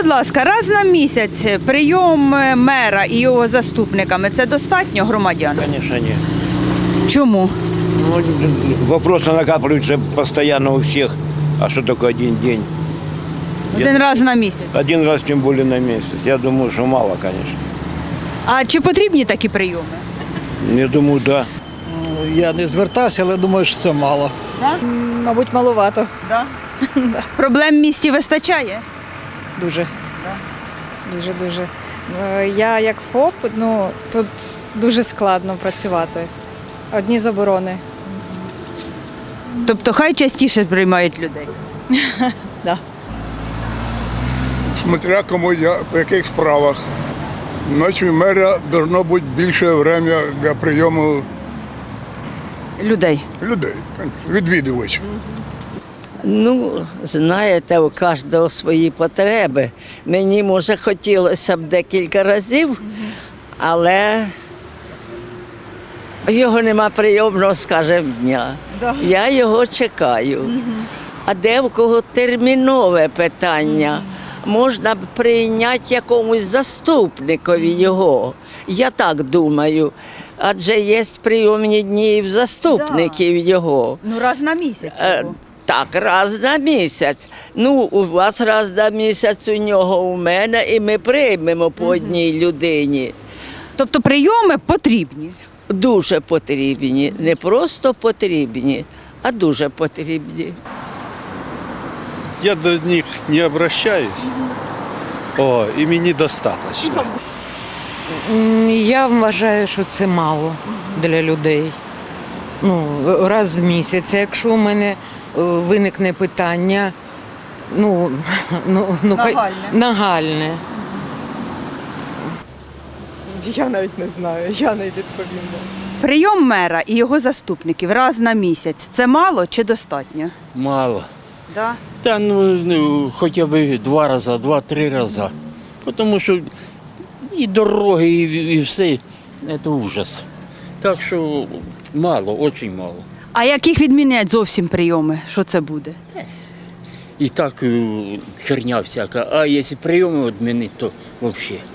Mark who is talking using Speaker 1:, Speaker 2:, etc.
Speaker 1: будь ласка, раз на місяць прийом мера і його заступниками – це достатньо громадян?
Speaker 2: Конечно, нет.
Speaker 1: Чому?
Speaker 2: Ну, вопросы накапливаются постоянно у всех. А что такое один день?
Speaker 1: Один раз на місяць.
Speaker 2: Один раз, тем более на месяц. Я думаю, что мало, конечно.
Speaker 1: А чи потрібні такі прийоми?
Speaker 2: Я думаю, да.
Speaker 3: Я не звертався, але думаю, що це мало.
Speaker 4: Мабуть, маловато.
Speaker 1: Да? Проблем в місті вистачає?
Speaker 4: Дуже. Дуже. Я як ФОП, тут дуже складно працювати. Одні заборони.
Speaker 1: Тобто хай частіше приймають людей?
Speaker 4: Да.
Speaker 5: Смотря кому по яких справах. Ночі мера должно бути більше время для прийому
Speaker 1: Людей.
Speaker 5: людей, відвідувачів.
Speaker 6: Ну, знаєте, у кожного свої потреби. Мені, може, хотілося б декілька разів, але його нема прийомного, скажімо, дня. Я його чекаю. А де в кого термінове питання? Можна б прийняти якомусь заступникові його. Я так думаю. Адже є прийомні дні і в заступників його.
Speaker 1: Ну, раз на місяць.
Speaker 6: Так, раз на місяць. Ну, у вас раз на місяць, у нього, у мене, і ми приймемо по одній людині.
Speaker 1: Тобто прийоми потрібні?
Speaker 6: Дуже потрібні. Не просто потрібні, а дуже потрібні.
Speaker 7: Я до них не обращаюсь, і мені достатньо.
Speaker 8: Я вважаю, що це мало для людей. Раз в місяць. Якщо у мене виникне питання, нагальне.
Speaker 9: Я навіть не знаю, я не відповім.
Speaker 1: Прийом мера і його заступників раз на місяць – це мало чи достатньо?
Speaker 10: Мало.
Speaker 1: Да?
Speaker 10: Та хоча б 2 рази, 2-3 рази. Тому що і дороги, і все це ужас. Так що мало, дуже мало.
Speaker 1: А яких відмінять зовсім прийоми? Що це буде?
Speaker 10: І так херня всяка. А якщо прийоми відмінити, то взагалі.